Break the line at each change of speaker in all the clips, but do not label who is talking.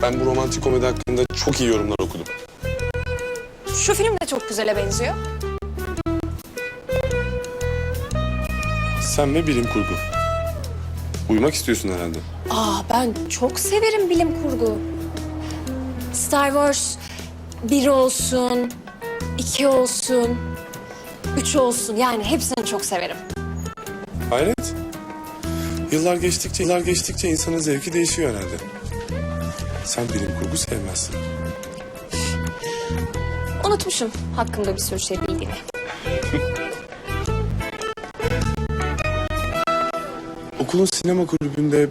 Ben bu romantik komedi hakkında çok iyi yorumlar okudum.
Şu film de çok güzele benziyor.
Sen ve bilim kurgu. Uyumak istiyorsun herhalde.
Ben çok severim bilim kurgu. Star Wars 1 olsun, 2 olsun, 3 olsun. Yani hepsini çok severim.
Hayret. Yıllar geçtikçe insanın zevki değişiyor herhalde. Sen bilim kurgu sevmezsin.
Unutmuşum hakkında bir sürü şey bildiğini.
Okulun sinema kulübünde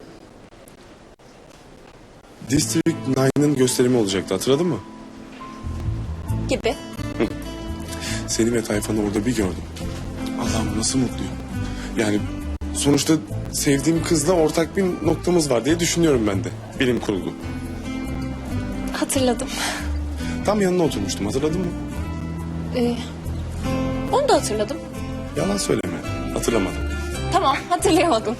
District 9'ın gösterimi olacaktı, hatırladın mı?
Gibi.
Seni ve tayfanı orada bir gördüm. Allah'ım nasıl mutluyum. Yani sonuçta sevdiğim kızla ortak bir noktamız var diye düşünüyorum ben de. Bilim kurgu.
Hatırladım.
Tam yanına oturmuştum, hatırladın mı?
Onu da hatırladım.
Yalan söyleme, hatırlamadım.
Tamam, hatırlayamadım.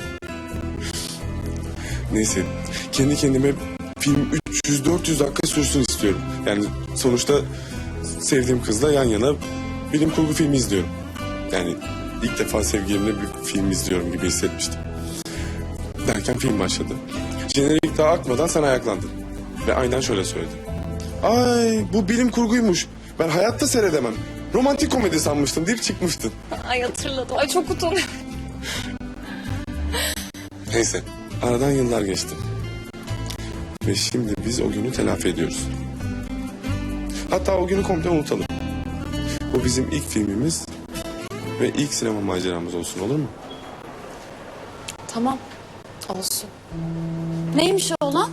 Neyse, kendi kendime film 300-400 dakika sürsün istiyorum. Yani sonuçta sevdiğim kızla yan yana bilim kurgu filmi izliyorum. Yani ilk defa sevgilimle bir film izliyorum gibi hissetmiştim. Derken film başladı. Jenerik daha akmadan sen ayaklandın. Ve aynen şöyle söyledin. Ay bu bilim kurguymuş. Ben hayatta seyredemem. Romantik komedi sanmıştım deyip çıkmıştın.
Ay hatırladım. Ay çok utanıyorum.
Neyse, aradan yıllar geçti. Ve şimdi biz o günü telafi ediyoruz. Hatta o günü komple unutalım. Bu bizim ilk filmimiz ve ilk sinema maceramız olsun, olur mu?
Tamam, olsun.
Neymiş o olan?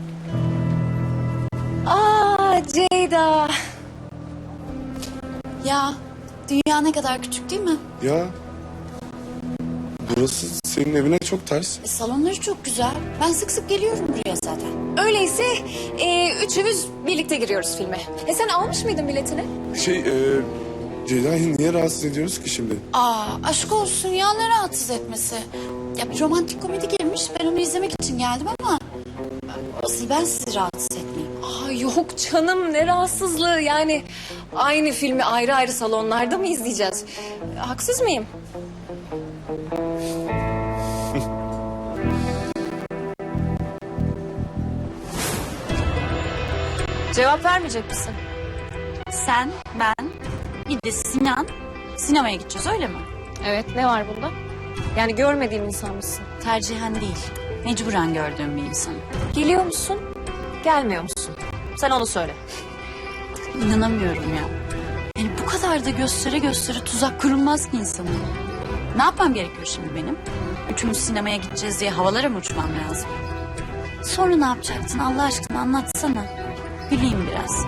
Ceyda.
Ya dünya ne kadar küçük değil mi?
Ya, burası senin evine çok ters.
Salonları çok güzel. Ben sık sık geliyorum buraya zaten.
Öyleyse üçümüz birlikte giriyoruz filme. Sen almış mıydın biletini?
Ceyda'yı niye rahatsız ediyoruz ki şimdi?
Aşk olsun ya, ne rahatsız etmesi. Ya bir romantik komedi girmiş, ben onu izlemek için geldim ama asıl ben sizi rahatsız etmeyeyim.
Yok canım, ne rahatsızlığı yani. Aynı filmi ayrı ayrı salonlarda mı izleyeceğiz? Haksız mıyım? Cevap vermeyecek misin?
Sen, ben, bir de Sinan sinemaya gideceğiz, öyle mi?
Evet, ne var bunda? Yani görmediğim insan mısın?
Tercihen değil, mecburen gördüğüm bir insan.
Geliyor musun, gelmiyor musun? Sen onu söyle.
İnanamıyorum ya. Yani bu kadar da göstere göstere tuzak kurulmaz ki insana. Ne yapmam gerekiyor şimdi benim? Üçümüz sinemaya gideceğiz diye havalara mı uçmam lazım? Sonra ne yapacaktın Allah aşkına, anlatsana. Güleyim biraz.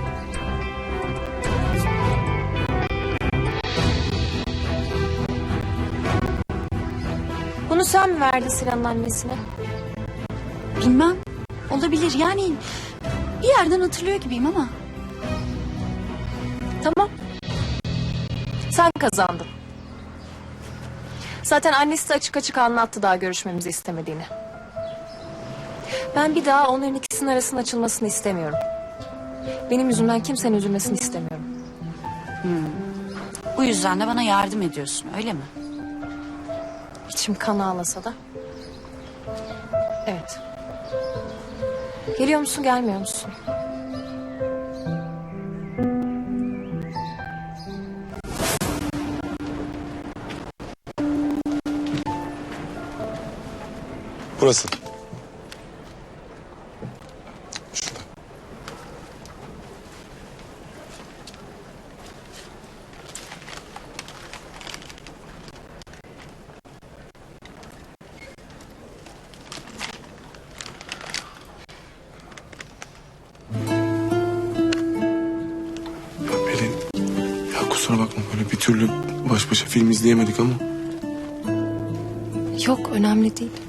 Bunu sen mi verdin Sinan'ın annesine?
Bilmem. Olabilir yani, bir yerden hatırlıyor gibiyim ama.
Tamam. Sen kazandın. Zaten annesi de açık açık anlattı daha görüşmemizi istemediğini. Ben bir daha onların ikisinin arasının açılmasını istemiyorum. Benim yüzümden kimsenin üzülmesini istemiyorum.
Bu yüzden de bana yardım ediyorsun, öyle mi?
İçim kan ağlasa da. Evet. Geliyor musun, gelmiyor musun?
Burası. Şurada. Ya Pelin, ya kusura bakma, böyle bir türlü baş başa film izleyemedik ama.
Yok, önemli değil.